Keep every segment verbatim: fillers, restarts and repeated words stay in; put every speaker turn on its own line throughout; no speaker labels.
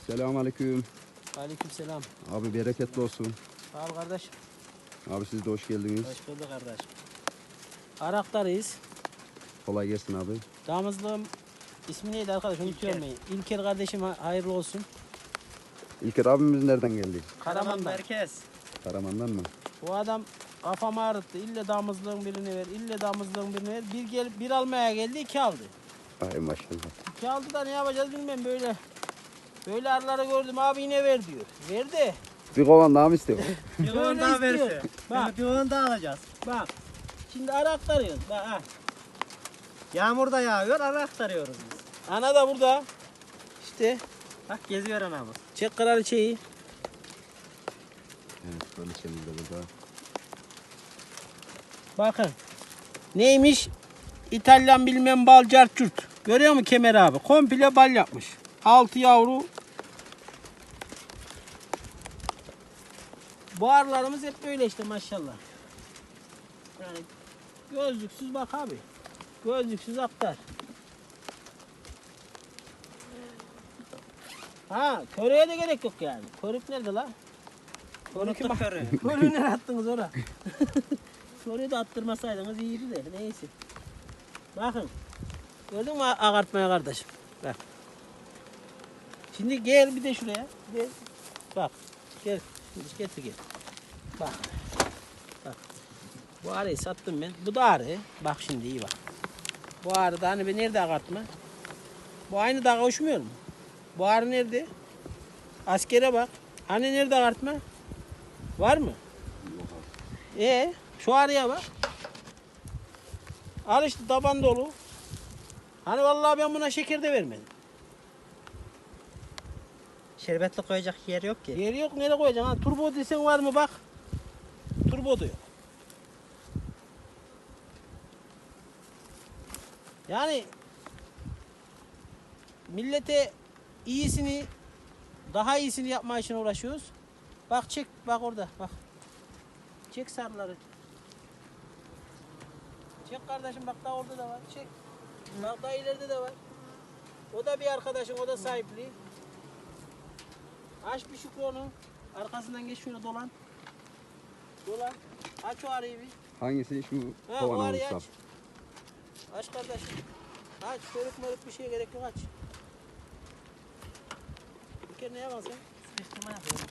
Selamünaleyküm.
Aleykümselam.
Abi bereketli olsun.
Sağ ol kardeş.
Abi siz de hoş geldiniz.
Hoş bulduk kardeş. Arak'tayız.
Kolay gelsin abi.
Damızlığım ismi neydi arkadaş? Unutuyorum ben. İlker kardeşim hayırlı olsun.
İlker abimiz nereden geldi?
Karaman'dan.
Merkez.
Karaman'dan mı?
Bu adam kafamı ağrıttı. İlle damızlığın birini ver, ille damızlığın birini ver. Bir gel, bir almaya geldi, iki aldı.
Ay maşallah.
İki aldı da ne yapacağız bilmem böyle. Böyle arıları gördüm abi yine ver diyor. Verdi.
Bir kovan daha mı istiyor?
Bir
Böyle
onu daha
istiyor.
verse.
Bak.
Bir onu daha alacağız.
Bak. Şimdi ara aktarıyoruz. Bak ha.
Yağmur da yağıyor, ara aktarıyoruz biz.
Ana da burada. İşte.
Bak geziyor anamız.
Çek kraliçeyi.
Evet, kraliçemiz de burada.
Bakın. Neymiş? İtalyan bilmem bal carçurt. Görüyor musun Kemer abi? Komple bal yapmış. Altı yavru. Bu arılarımız hep böyle işte maşallah. Yani gözlüksüz bak abi. Gözlüksüz aktar. Ha, köreye de gerek yok yani. Körük nerede la? Körük'ü bak. Körüğü nereye attınız oraya? Körüğü de attırmasaydınız iyiydi de neyse. Bakın. Gördün mü ağartmaya kardeşim? Bak. Şimdi gel bir de şuraya. Gel. Bak. Gel. Şimdi getir gel. Bak. Bak. Bu arıyı sattım ben. Bu da arı. Bak şimdi iyi bak. Bu arı da hani ben nerede ağartma? Bu aynı dağa uçmuyor mu? Bu arı nerede? Askere bak. Hani nerede ağartma? Var mı? Ee, şu arıya bak. Al işte taban dolu. Hani vallahi ben buna şeker de vermedim.
Şerbetli koyacak yer yok ki.
Yeri yok nereye koyacaksın? Ha, turbo desen var mı bak. Turbo da yok. Yani millete iyisini daha iyisini yapma için uğraşıyoruz. Bak çek bak orada bak. Çek sarıları. Çek kardeşim bak daha orada da var. Çek. Bak daha ileride de var. O da bir arkadaşın, o da sahipli. Aç bir Şükrü onu. Arkasından geç şöyle dolan. Dolan. Aç o arayı bir.
Hangisi şu
Ha, o
kovan
arayı
olursa?
aç. Aç kardeşim. Aç. Körük mörük bir şeye gerek yok aç. Bir kere ne yapalım sen?
Sıkıştırma yapıyorum.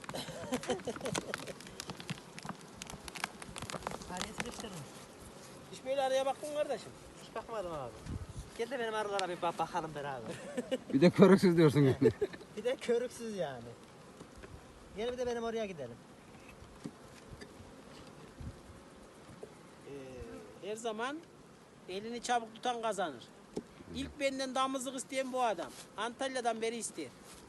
Araya sıkıştırdım.
Hiç böyle araya baktın mı kardeşim?
Hiç bakmadım abi. Gel de benim arılara bir bak bakalım beraber.
Bir de körüksüz diyorsun yani.
Bir de körüksüz yani. Gel bir de benim oraya gidelim.
Ee, her zaman elini çabuk tutan kazanır. İlk benden damızlık isteyen bu adam. Antalya'dan beri ister.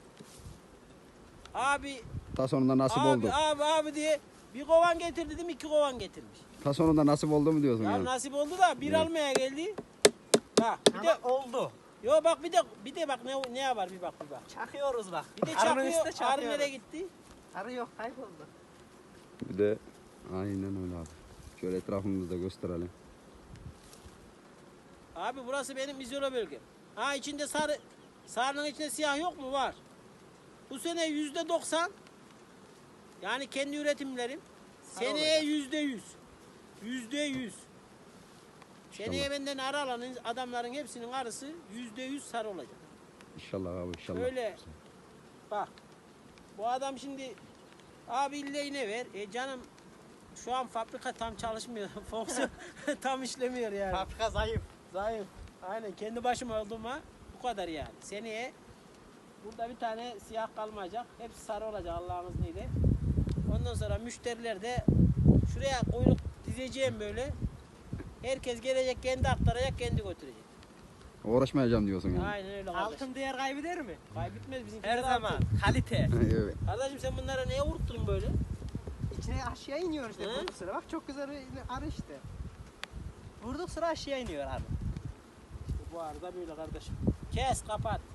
Abi,
Ta sonunda nasip
abi,
oldu.
abi, abi diye bir kovan getir dedim, iki kovan getirmiş.
Ta sonunda nasip oldu mu diyorsun
Ya
yani?
nasip oldu da bir
Evet.
almaya geldi. Bak bir
Ama
de
oldu.
yo bak bir de bir de bak ne ne yapar bir bak bir bak.
Çakıyoruz bak.
Bir de
Arının üstüne
çakıyor. Arı
çakıyoruz.
nereye gitti?
Arı yok kayboldu.
Bir de aynen öyle abi. Şöyle etrafımızı da gösterelim.
Abi burası benim izole bölgem. Ha içinde sarı sarının içinde siyah yok mu? Var. Bu sene yüzde doksan yani kendi üretimlerim.
Sarı
Seneye
olacak.
yüzde yüz. Yüzde yüz. Seneye benden arı alan adamların hepsinin arısı yüzde yüz sarı olacak.
İnşallah abi inşallah.
Öyle. Bak. Bu adam şimdi abi ille ne ver? E canım şu an fabrika tam çalışmıyor. Fonksiyon tam işlemiyor yani.
Fabrika zayıf.
Zayıf. Aynen kendi başıma olduğuma bu kadar yani. Seneye burada bir tane siyah kalmayacak. Hepsi sarı olacak Allah'ın izniyle. Ondan sonra müşteriler de şuraya kuyruk dizeceğim böyle. Herkes gelecek kendi aktaracak kendi götürecek.
Uğraşmayacağım diyorsun yani.
Aynen öyle kardeşim.
Altın değer kaybeder mi?
Kaybetmez bizim.
Her zaman. Kalite.
Evet.
Kardeşim sen bunlara neye vurttun böyle?
İçine aşağı iniyor işte
He?
vurduk sıra. Bak çok güzel bir arı işte. Vurduk sıra aşağı iniyor arı.
Bu arada böyle kardeşim. Kes kapat.